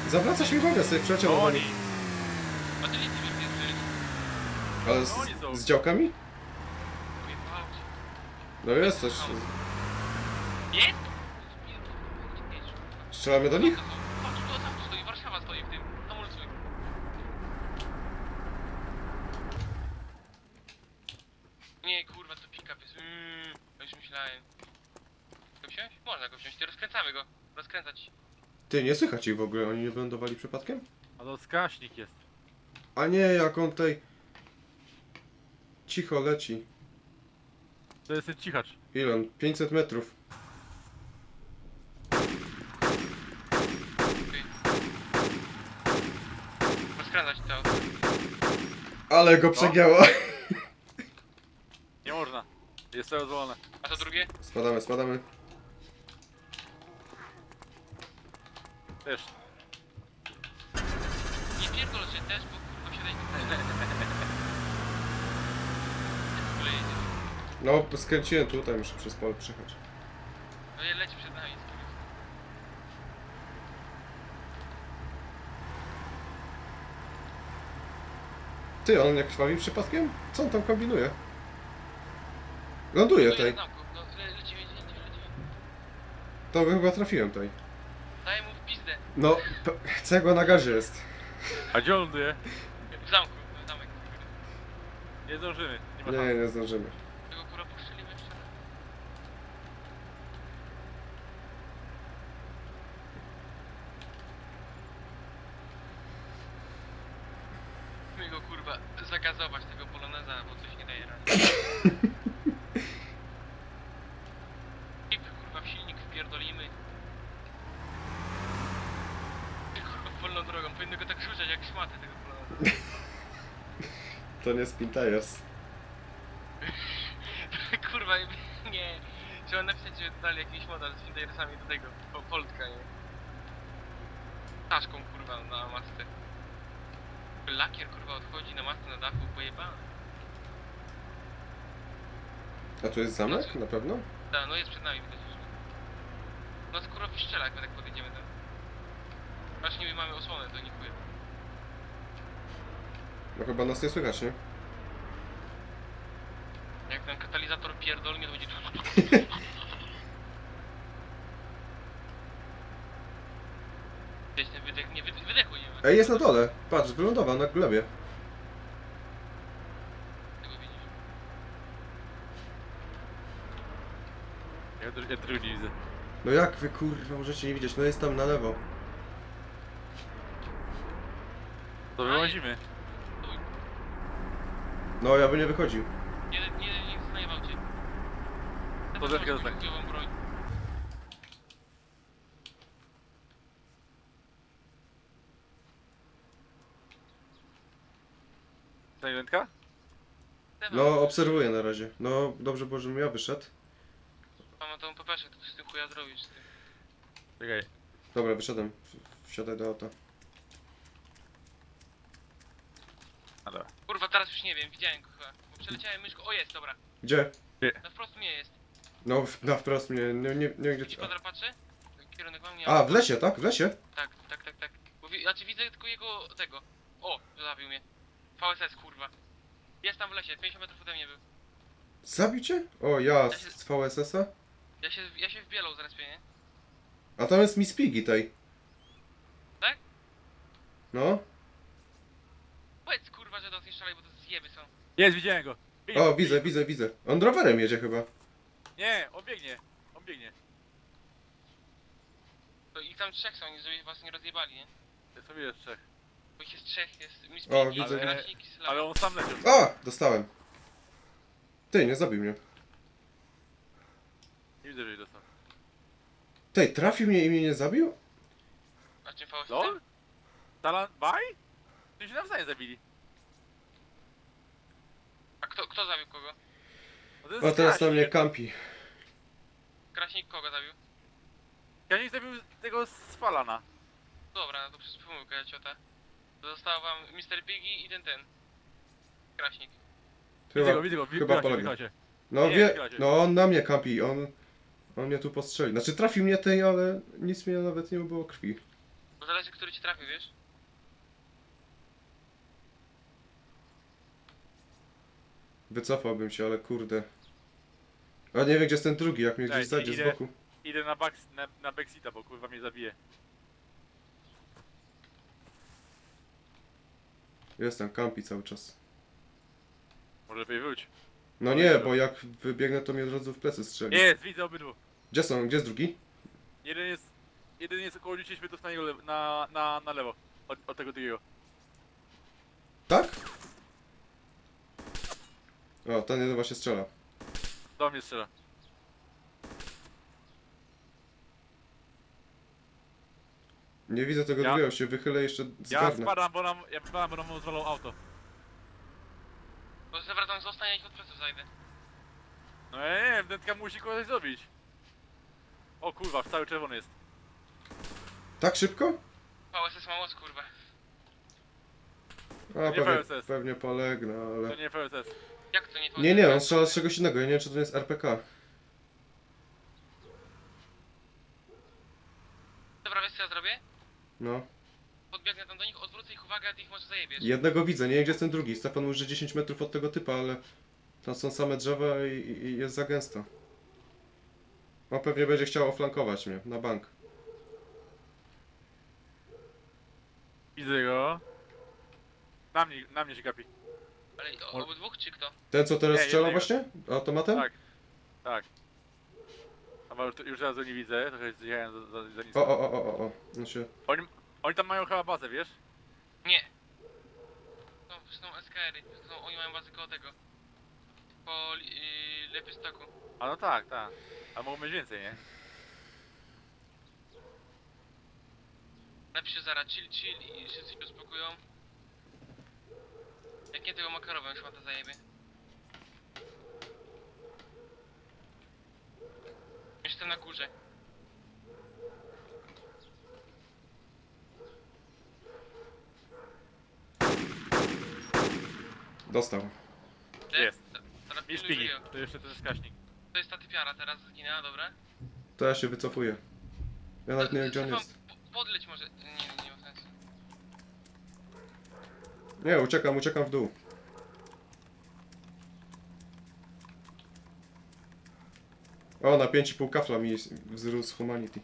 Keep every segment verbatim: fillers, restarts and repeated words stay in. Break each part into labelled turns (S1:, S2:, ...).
S1: Zawraca się uwaga, sobie przeciął
S2: To
S1: do
S2: oni!
S1: nich.
S3: A ty nic nie wiesz,
S1: Ale
S2: To oni są.
S1: z, z działkami?
S3: Ujebał cię.
S1: No jest coś.
S3: Jest?
S1: Strzelamy do nich?
S3: Patrz, tu tam stoi, Warszawa stoi w tym. Hamulcuj. Nie, kurwa, to pick-up jest. Mmm, ja już myślałem. Go wziąć? Można go wziąć, ty rozkręcamy go. Rozkręcać.
S1: Ty, nie słychać ich w ogóle, oni nie wylądowali przypadkiem?
S2: A to skaśnik jest.
S1: A nie, jak on tutaj... Cicho leci.
S2: To jest ten cichacz.
S1: Ile on? pięćset metrów.
S3: Rozkręcać to.
S1: Ale go przegięło.
S2: Nie można. Jest to rozwalone.
S3: A to drugie?
S1: Spadamy, spadamy.
S2: Też.
S3: Nie pierdol się też, bo kurwa siadaj tu.
S1: No, skręciłem tutaj, muszę przez pole przejechać.
S3: No je leci przed nami.
S1: Ty, on jak krwawi przypadkiem? Co on tam kombinuje? Ląduje tutaj.
S3: No, le, lecimy, lecimy, lecimy.
S1: To chyba trafiłem tutaj.
S3: Daj mu w pizdę.
S1: No, cegła na gazie jest.
S2: A gdzie on ląduje?
S3: W zamku, w zamek.
S2: Nie zdążymy. Nie ma
S1: Nie,
S2: szans.
S1: nie zdążymy.
S3: Tego kurwa poszczelimy jeszcze raz. My go kurwa zagazować tego poloneza, bo coś nie daje rady. Pip kurwa w silnik wpierdolimy. Kurwa wolną drogą, powinno go tak rzucać jak szmatę tego poloneza.
S1: To nie Spin Tires.
S3: Kurwa, nie. Trzeba napisać, że dali jakiś model z Findersami do tego, po Polska, nie? Taszką kurwa na masce. Lakier kurwa odchodzi na masce na dachu, pojebany.
S1: A tu jest zamek? Na pewno?
S3: Da, no jest przed nami widać już. No skoro wyszczela, jak my tak podejdziemy tam. Właśnie my mamy osłonę, to nikuję.
S1: No chyba nas nie słychać, nie?
S3: Jak ten katalizator pierdolnie, to będzie... Gdzieś ten wydech, nie, wydech, wydechu nie ma.
S1: Ej, jest na dole. Patrz, wylądował na glebie.
S3: Tego widzisz.
S2: Ja, dru- ja drugi nie widzę.
S1: No jak wy kurwa możecie nie widzieć? No jest tam na lewo.
S2: To wyłazimy.
S1: No ja bym nie wychodził.
S3: Nie, nie, nie znajwał cię. Ja
S2: To
S3: też
S2: zerknę
S3: mam
S2: tak.
S3: chujową broń.
S2: Silentka?
S1: No obserwuję na razie. No dobrze było, żebym ja wyszedł.
S3: Mam tą pepeszę, to z tym chuja zrobisz. Z tym.
S2: Czekaj.
S1: Dobra, wyszedłem. W- Wsiadaj do auta.
S2: A dobra.
S3: Kurwa, teraz już nie wiem, widziałem go chyba. Bo przeleciałem myszką. O jest, dobra.
S1: Gdzie?
S3: Na wprost mnie jest.
S1: No w- na wprost mnie, nie, nie, nie
S3: Gdzieś
S1: gdzie...
S3: kwadra patrzy? Kierunek mam, nie
S1: A, w lesie, tak? W lesie?
S3: Tak, tak, tak, tak. Bo wi znaczy widzę tylko jego, tego. O, zabił mnie. V S S, kurwa. Jest tam w lesie, pięćdziesiąt metrów ode mnie był.
S1: Zabił cię? O, ja z z V S S-a?
S3: Ja się, ja się wbielał zaraz, nie?
S1: A tam jest Miss Piggy tej.
S3: Tak?
S1: No.
S3: Powiedz kurwa, że do nie strzelaj, bo to zjeby są.
S2: Jest, widziałem go. Biegnie.
S1: O, widzę, widzę, widzę. On rowerem jedzie chyba.
S2: Nie, on biegnie. On biegnie.
S3: To ich tam trzech są, oni żeby was nie rozjebali, nie?
S2: Jest sobie jest trzech.
S3: Bo ich jest trzech, jest Miss
S1: O,
S3: Piggy,
S1: widzę.
S3: Krasnik i Slava.
S2: Ale on sam leciał.
S1: A! Dostałem. Ty, nie zabił mnie.
S2: Nie widzę, że jej dostał.
S1: Ty, trafił mnie i mnie nie zabił?
S3: A czym V S S?
S2: LOL? Talan... Baj? Ty się nawzajem zabili.
S3: A kto, kto zabił kogo?
S2: No to jest
S1: O, teraz na
S2: Kraśnik.
S1: mnie kampi.
S3: Kraśnik kogo zabił?
S2: Kraśnik zabił tego z Falana.
S3: Dobra, no to przez pomyłkę ja ciota. Został wam mister Piggy i ten ten. Kraśnik.
S2: Widzę go, widzę go.
S1: chyba
S2: Chyba
S1: poległ.
S2: poległ.
S1: No
S2: Nie,
S1: wie,
S2: chyba cię.
S1: no on na mnie kampi, on... On mnie tu postrzelił. Znaczy trafił mnie tej, ale nic mnie nawet nie było krwi.
S3: Bo zależy, który ci trafił, wiesz?
S1: Wycofałbym się, ale kurde. A nie wiem, gdzie jest ten drugi, jak mnie
S2: Cześć,
S1: gdzieś zajdzie z
S2: idę.
S1: boku.
S2: Idę na, back, na, na backseata, bo kurwa mnie zabije.
S1: Jestem, kampi cały czas.
S2: Może lepiej wróć.
S1: No nie, bo jak wybiegnę, to mnie od razu w plecy strzeli.
S2: Jest, widzę obydwu.
S1: Gdzie są? Gdzie jest drugi?
S2: Jeden jest... Jeden jest około dziesięć metrów na, niego lewo, na, na, na lewo. Od, od tego drugiego.
S1: Tak? O, ten jeden właśnie strzela.
S2: Do mnie strzela.
S1: Nie widzę tego
S2: Ja-
S1: drugiego, się wychylę jeszcze
S2: Ja
S1: zgarnę.
S2: spadam, bo nam... Ja spadam, bo nam rozwalał auto.
S3: Bo zawracam zostań, ja ich od pleców zajdę.
S2: No ja nie wiem, dentka musi kogoś zrobić. O kurwa, cały czerwony jest.
S1: Tak szybko?
S3: V S S ma moc, kurwa.
S1: A,
S2: Nie
S1: pewnie,
S2: V S S.
S1: pewnie polegnę,
S2: To
S1: ale...
S2: nie F S S.
S3: Jak to nie to?
S1: Nie, nie, on strzela z czegoś innego, ja nie wiem, czy to jest R P K.
S3: Dobra, wiesz co ja zrobię?
S1: No.
S3: Podbiegnę tam do nich, odwrócę ich uwagę, a ty ich może zajebiesz.
S1: Jednego widzę, nie wiem, gdzie jest ten drugi. Stefan mówi, że dziesięć metrów od tego typa, ale... Tam są same drzewa i, i, i jest za gęsto. On pewnie będzie chciał oflankować mnie, na bank.
S2: Widzę go. Na mnie, na mnie się gapi.
S3: Ale o- obydwóch czy kto?
S1: Ten, co teraz
S2: Nie,
S1: strzela
S2: jednego.
S1: właśnie? Automatem?
S2: Tak. Tak. A już, już teraz go nie widzę, trochę zjechałem za, za, za nisko.
S1: O, o, o, o, o, o. No się...
S2: Oni, oni tam mają chyba bazę, wiesz?
S3: Nie. No, to są S K R-y, to są, oni mają bazę koło tego. Po yy, Lepystoku.
S2: A no tak, tak. A mogą mieć więcej, nie?
S3: Napiszę zaraz chill, chill i wszyscy się uspokoją. Jak nie tego makarową już to zajebie. Jestem na górze.
S1: Dostał.
S2: Jest.
S3: Teraz
S2: I
S3: pilnuj
S2: szpigi.
S3: żyją.
S2: To jeszcze ten wskaźnik.
S3: To jest ta typiara, teraz zginęła, dobra?
S1: To ja się wycofuję. Ja nawet nie wiem, gdzie on
S3: Stefan,
S1: jest.
S3: po- Podleć może. Nie, nie, nie ma sensu.
S1: Nie, uciekam, uciekam w dół. O, na pięć i pół kafla mi wzrósł Humanity.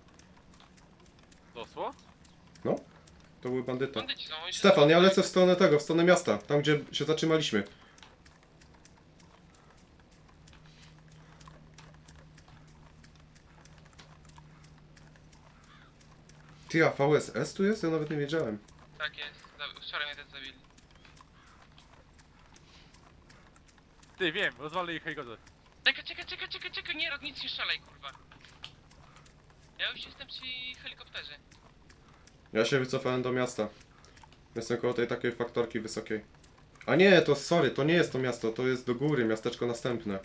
S2: Dosło?
S1: To był bandyta.
S3: Bandyci są, oni się-
S1: Stefan, ja lecę w stronę tego, w stronę miasta, tam gdzie się zatrzymaliśmy. Ty, a V S S tu jest? Ja nawet nie wiedziałem.
S3: Tak jest. Za- Wczoraj mnie też zabili.
S2: Ty, wiem, rozwalę ich helikopter.
S3: Czekaj, czekaj, czekaj, czekaj, czekaj, nie rób nic, nie szalej, kurwa. Ja już jestem przy helikopterze.
S1: Ja się wycofałem do miasta. Jestem koło tej takiej faktorki wysokiej. A nie, to sorry, to nie jest to miasto, to jest do góry, miasteczko następne.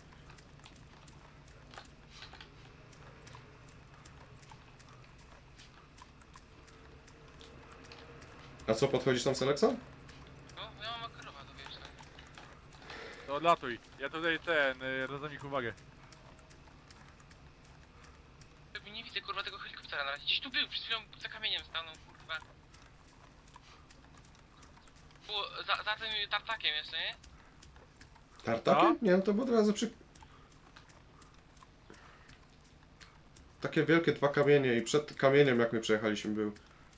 S1: A co, podchodzisz tam z Aleksą?
S3: No, ja mam makarowa, to wiesz. tak.
S2: To odlatuj. Ja tutaj ten, y, rozdam ich uwagę.
S3: Jakby nie widzę, kurwa, tego helikoptera na razie. Gdzieś tu był, przed chwilą za kamieniem stanął, kurwa. Było za, za tym tartakiem jeszcze, nie?
S1: Tartakiem? Nie, no to było od razu przy... Takie wielkie dwa kamienie i przed kamieniem jak my przejechaliśmy był.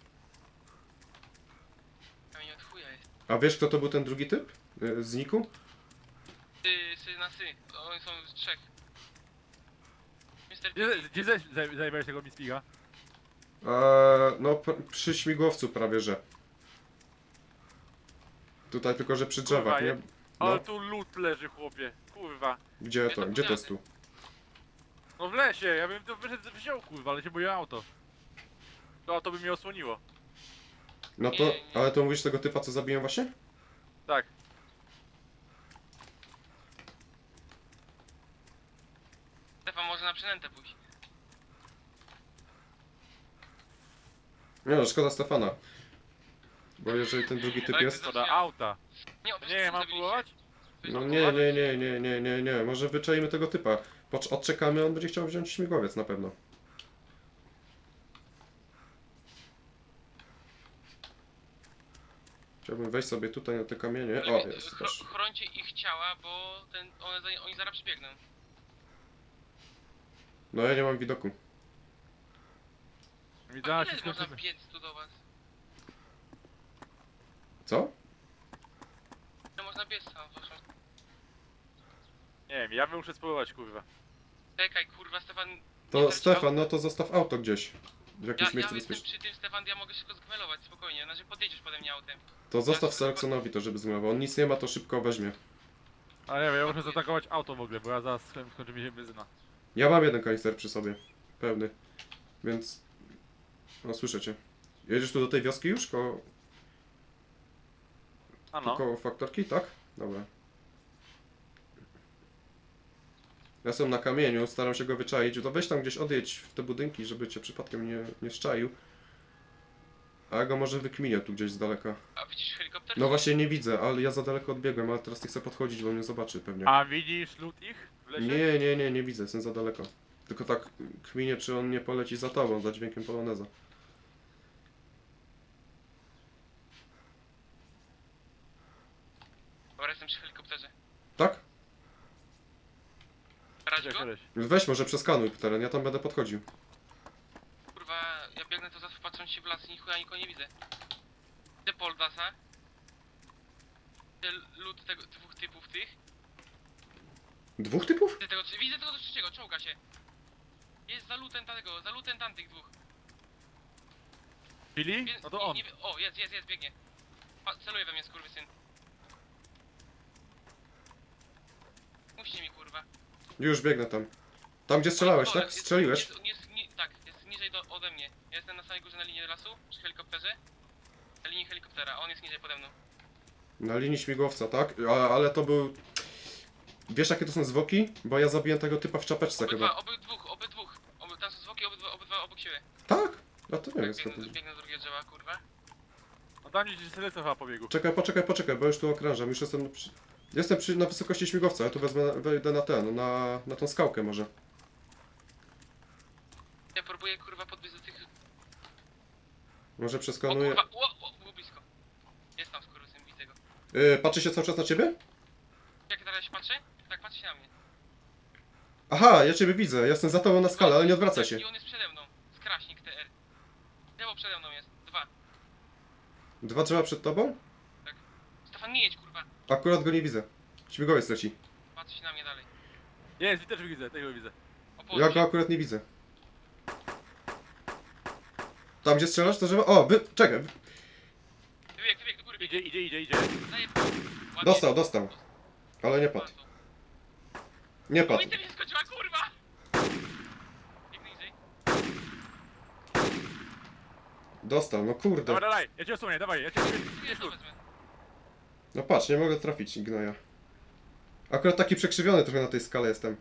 S3: Kamień od chuja jest.
S1: A wiesz kto to był ten drugi typ? Y, Z Niku?
S3: Ty, sy na sy. Oni są z trzech. mister
S2: Gdzie,
S3: Piggy.
S2: gdzie zaś- zaj- zajebałeś tego Mispiga?
S1: Eee, no p- przy śmigłowcu prawie że. Tutaj tylko, że przy drzewach,
S2: Kurwa,
S1: nie?
S2: je- Ale
S1: No,
S2: tu lód leży, chłopie. Kurwa.
S1: gdzie to? Gdzie to jest tu?
S2: No w lesie, ja bym to wyszedł, wziął, kurwa, ale się boję auto. To auto by mnie osłoniło.
S1: No to,
S3: Nie, nie.
S1: ale to mówisz tego typa co zabiłem właśnie?
S2: Tak.
S3: Stefan może na przynętę pójść.
S1: Nie no, szkoda Stefana. Bo jeżeli ten drugi typ
S3: Ale
S1: jest...
S3: to-
S2: Szkoda auta.
S3: Nie,
S2: Nie, ja mam
S3: zabiliście.
S2: próbować?
S1: No nie, nie, nie, nie, nie, nie, nie. Może wyczaimy tego typa. Pocz- odczekamy, on będzie chciał wziąć śmigłowiec na pewno. Chciałbym wejść sobie tutaj na te kamienie. O,
S3: Lepiej,
S1: jest,
S3: chro-
S1: proszę.
S3: Chrońcie ich ciała, bo ten, one, za- oni zaraz przybiegną.
S1: No ja nie mam widoku.
S2: Widziałem
S3: A
S2: się
S3: ile można
S2: skończymy.
S3: biec tu do was?
S1: Co?
S3: Ile można biec tam? Proszę.
S2: Nie wiem, ja bym muszę spróbować, kurwa.
S3: Czekaj, kurwa, Stefan... nie
S1: To
S3: traci
S1: Stefan,
S3: auta.
S1: no to zostaw auto gdzieś. W
S3: Ja,
S1: jakimś
S3: ja
S1: miejscu
S3: jestem
S1: bezpiecznym.
S3: przy tym, Stefan, ja mogę szybko zgmelować, spokojnie. Znaczy podjedziesz pode mnie autem.
S1: To zostaw Seleksonowi to, żeby zmywał. On nic nie ma, to szybko weźmie.
S2: Ale nie wiem, ja muszę zaatakować auto w ogóle, bo ja zaraz skoń- skończy mi się benzyna.
S1: Ja mam jeden kanister przy sobie. Pełny. Więc... No słyszę cię. Jedziesz tu do tej wioski już? Koło,
S2: A
S1: tu
S2: no.
S1: koło faktorki, tak? Dobra. Ja jestem na kamieniu, staram się go wyczaić. To weź tam gdzieś odjedź w te budynki, żeby cię przypadkiem nie, nie szczaił. A ja go może wykminię tu gdzieś z daleka.
S3: A widzisz helikopter?
S1: No właśnie nie widzę, ale ja za daleko odbiegłem, ale teraz nie chcę podchodzić, bo mnie zobaczy pewnie.
S2: A widzisz lód ich w lesie?
S1: Nie, nie, nie, nie widzę, jestem za daleko. Tylko tak kminię, czy on nie poleci za tobą, za dźwiękiem poloneza.
S3: Dobra, jestem przy helikopterze.
S1: Tak?
S3: Brać
S2: Gdzie
S3: go?
S2: koleś?
S1: Weź może przeskanuj teren, ja tam będę podchodził.
S3: Kurwa, ja biegnę to zawsze patrząc się w las i ni chuja nikogo nie widzę. Widzę Poldasa. Widzę lud tego, dwóch typów tych.
S1: Dwóch typów?
S3: Widzę tego, widzę tego trzeciego, czołga się. Jest za lutem tamtego, za lutem tamtych dwóch.
S2: Billy?
S3: Wie-
S2: No to
S3: nie-
S2: on.
S3: nie wie- o, jest, jest, jest, biegnie. Pa, celuje we mnie, skurwysyn. Muśnie mi, kurwa.
S1: Już biegnę tam. Tam gdzie strzelałeś,
S3: Dole,
S1: tak?
S3: jest-
S1: Strzeliłeś?
S3: Jest, jest, ni, tak, jest niżej do, ode mnie. Ja jestem na samej górze na linii lasu, przy helikopterze. Na linii helikoptera, a on jest niżej pode mną.
S1: Na linii śmigłowca, tak? A, ale to był... Wiesz jakie to są zwłoki? Bo ja zabiłem tego typa w czapeczce
S3: Obydwa,
S1: chyba.
S3: obydwóch, obydwóch. Oby, tam są zwłoki, obydwa, obydwa obok siebie.
S1: Tak? A to nie wiem
S3: Tak,
S1: skąd.
S3: biegnę, biegnę z drugiego drzewa, kurwa.
S2: No tam gdzieś selekcja chyba pobiegł.
S1: Czekaj, poczekaj, poczekaj, bo już tu okrążam, już jestem przy... Jestem przy, na wysokości śmigłowca, ja tu wezmę, wejdę na ten, na, na tą skałkę może.
S3: Ja próbuję, kurwa, podbiec do tych...
S1: Może
S3: O
S1: przeskanuję.
S3: kurwa, o, o, było blisko. Jest tam skurwysyn, widzę go.
S1: Yy, patrzy się cały czas na ciebie?
S3: Jak teraz się patrzę? Tak, patrzy się na mnie.
S1: Aha, ja ciebie widzę, jestem za tobą na skalę, ale nie odwracaj się.
S3: I on jest przede mną. Skraśnik T R. Lewo przede mną jest. Dwa.
S1: Dwa drzewa przed tobą?
S3: Stefan, nie jedź, kurwa.
S1: Akurat go nie widzę. Śmigłowiec leci.
S3: Patrzy się na mnie dalej.
S2: Jest, też widzę, tego widzę.
S3: O,
S1: Ja go akurat nie widzę. Tam gdzie strzelasz to drzewo? O, wy... czekaj. wy-
S3: Wybieg, wybieg, do góry
S2: Idzie,
S3: biegnie.
S2: idzie, idzie, idzie.
S3: Daję ładnie.
S1: Dostał, dostał. Ale nie padł. Nie padł.
S3: Amunicja mi się skończyła, kurwa! Biegnę niżej.
S1: Dostał, no kurde.
S2: Dawaj, dawaj, ja cię osłonię, dawaj, ja cię osłonię.
S3: Tu jest, to wezmę.
S1: No patrz, nie mogę trafić gnoja. Akurat taki przekrzywiony trochę na tej skale jestem.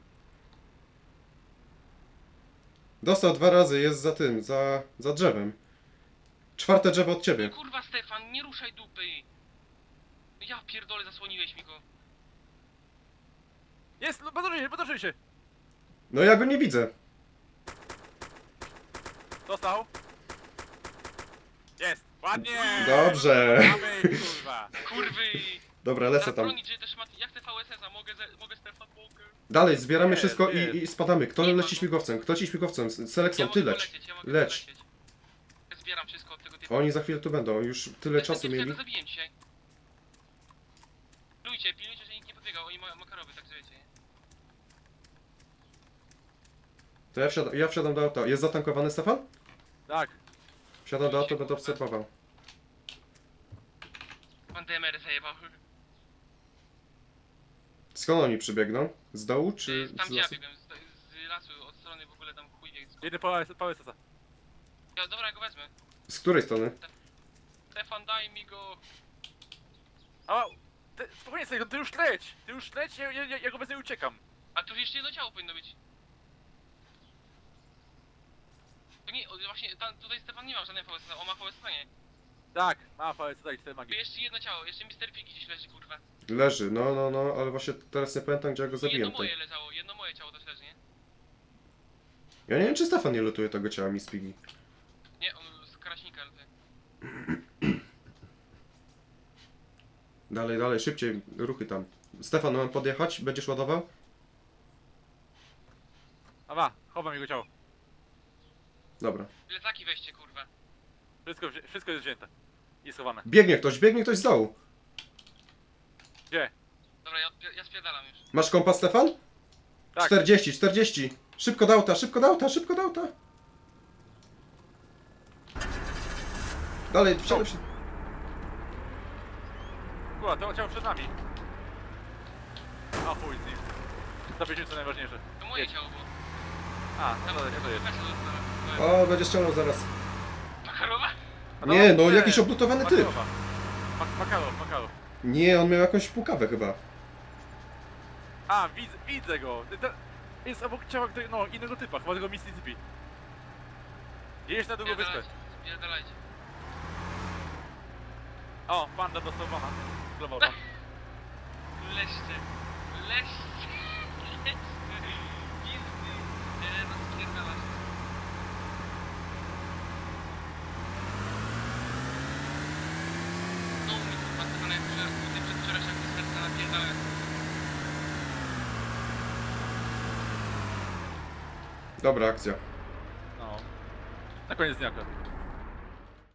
S1: Dostał dwa razy, jest za tym, za, za drzewem. Czwarte drzewo od ciebie.
S3: Kurwa, Stefan, nie ruszaj dupy! Ja pierdolę, zasłoniłeś mi go.
S2: Jest, no podróżuj się, podróżuj się.
S1: No ja go nie widzę.
S2: Dostał. Jest, ładnie.
S1: Dobrze.
S2: Mamy, kurwa.
S3: Kurwy!
S1: Dobra, lecę
S3: Teraz
S1: tam.
S3: bronić, że też ma... Ja chcę V S S-a, mogę, ze... mogę Stefan, mogę.
S1: Dalej, zbieramy
S2: Nie,
S1: wszystko
S2: nie.
S1: i, i spadamy. Kto
S3: Nie ma
S1: leci
S3: go.
S1: śmigłowcem? Kto ci śmigłowcem?
S3: Ja
S1: Seleksą, ty
S3: mogę
S1: leć.
S3: polecieć, ja mogę
S1: Leć.
S3: polecieć. Ja zbieram wszystko od tego typu.
S1: Oni za chwilę tu będą, już tyle
S3: Ten
S1: czasu
S3: typ,
S1: mieli.
S3: którego zabiję dzisiaj. Pilnujcie, pilnujcie, że nikt nie podbiegał, oni mają makarowy, tak że wiecie.
S1: To ja wsiadam, ja wsiadam do auta. Jest zatankowany Stefan?
S2: Tak.
S1: Wsiadam do auta, będę obserwował.
S3: Pan D M R zajebał.
S1: Skąd oni przybiegną? Z dołu czy
S3: Tam
S1: z
S3: gdzie ja
S1: lasu?
S3: biegłem, z, z lasu, od strony w ogóle tam chuj biegł.
S2: Jedę po po S S a.
S3: Ja, dobra, ja go wezmę.
S1: Z której strony?
S3: Stefan, daj mi go.
S2: A, ty, spokojnie sobie, ty już leć. Ty już leć, ja, ja, ja go bez niej uciekam.
S3: A tu jeszcze jedno ciało powinno być. To nie, o, właśnie tam, tutaj Stefan nie ma żadnej V S S, on ma V S S, nie.
S2: Tak, ma po S S a i cztery
S3: Tu
S2: magii.
S3: jeszcze jedno ciało, jeszcze mister Piggy gdzieś leży, kurwa.
S1: Leży, no, no, no, ale właśnie teraz nie pamiętam, gdzie ja go
S3: Tu jedno
S1: zabiłem.
S3: moje
S1: Tutaj.
S3: leżało, jedno moje ciało też leży, nie?
S1: Ja nie wiem, czy Stefan nie lutuje tego ciała Miss Piggy.
S3: Nie, on z Kraśnika lety.
S1: Dalej, dalej, szybciej, ruchy tam. Stefan, mam podjechać? Będziesz ładował?
S2: A ma, chowam jego ciało.
S1: Dobra.
S3: Plecaki weźcie, kurwa.
S2: Wszystko, wzi- wszystko jest wzięte. I schowane.
S1: Biegnie ktoś, biegnie ktoś z dołu.
S2: Gdzie?
S3: Dobra, ja, odpie- ja spierdalam już.
S1: Masz kompas, Stefan?
S2: Tak.
S1: czterdzieści, czterdzieści. Szybko do auta, szybko do auta, szybko do auta. Dalej, wsiadaj, wsiadaj.
S2: Kurwa, to ciało przed nami. A chuj z nim. Zabierzmy co najważniejsze.
S3: To moje
S2: Jedź.
S3: ciało było.
S2: A, no dobra, to jest.
S3: Weź to zostawiam.
S1: O, będzie ściągnął zaraz.
S3: Makarowa?
S2: A
S1: Nie,
S2: dobra,
S1: no
S2: nie.
S1: jakiś oblutowany typ.
S2: Makarowa. Mak- Makarow, Makarow.
S1: Nie, on miał jakąś pukawę chyba.
S2: A, widzę, widzę go. To jest obok ciała której- no, innego typa, chyba tego Mississippi. Jedziesz na drugą wyspę.
S3: Spierdalajcie, spierdalajcie.
S2: O, panda dostosowana. Globowa.
S3: Leście, leście, leście. Pizdy. Nie, no spierdalać. No, mi kurwa Stefana jak wczoraj, przedwczoraj jak z serca napierdalałem.
S1: Dobra akcja.
S2: No. Na koniec dnia. akurat.